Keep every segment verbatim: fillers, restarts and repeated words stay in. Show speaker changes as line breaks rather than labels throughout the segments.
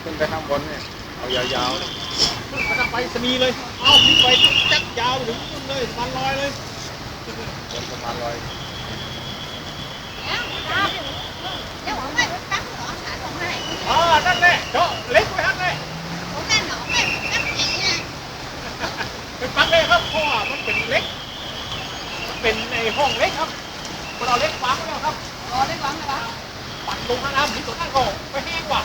ขึ้นไปข้างบนเนี่ยเอายาวๆเลย
ขึ้นไปทางไปสนีเลยเอาขึ้นไปจักยาวถึงขึ้นเลยสะพานลอยเลย
บนสะพานลอย
อ๋อนั่นแหละเจาะเล็กไปฮั่นเลยเป็นปักเลยครับเพราะว่ามันเป็นเล็กมันเป็นในห้องเล็กครับคนเอาเล็กวางไว้แล้วครับปัดลงน้ำที่ตัวนั่นก็ไปแห้งกว่า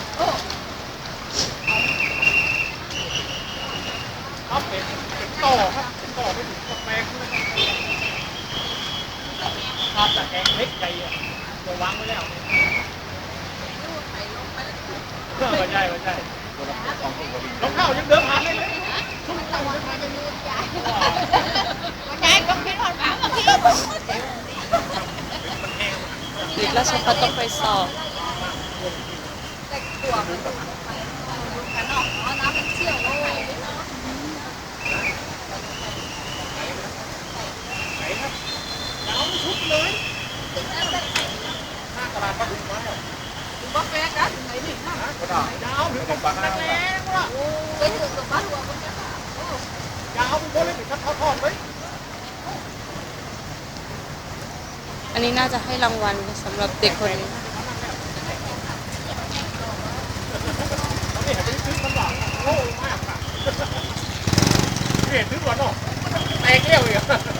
ครับเป็นเป็นต่อครับเป็นต่อไปถึงกาแฟเลยครับแต่แกงเล็กใหญ่อะตัววางไว้แล้วเพื่อไม่ใช่ไม่ใช่รองเท้ายังเดินผ่านเลยเลยชุดรองเท้าเดินผ่านเลย
ติดราชพัฒต้องไปสอบ
ไหนครับยาวชุดเลยห้าตลาดปลาดุกมาแล้วยาวถึงตรงปากแรงว่ะยาวเป็นโบเลยถึงขั้นทอดๆเลย
อันนี้น่าจะให้รางวัลสำหรับเด็กคนนี้
นี่เห็นซื้อมันบอกโง่มากค่ะเห็นซื้อก่อนเนาะแตกเลี้ยวอีก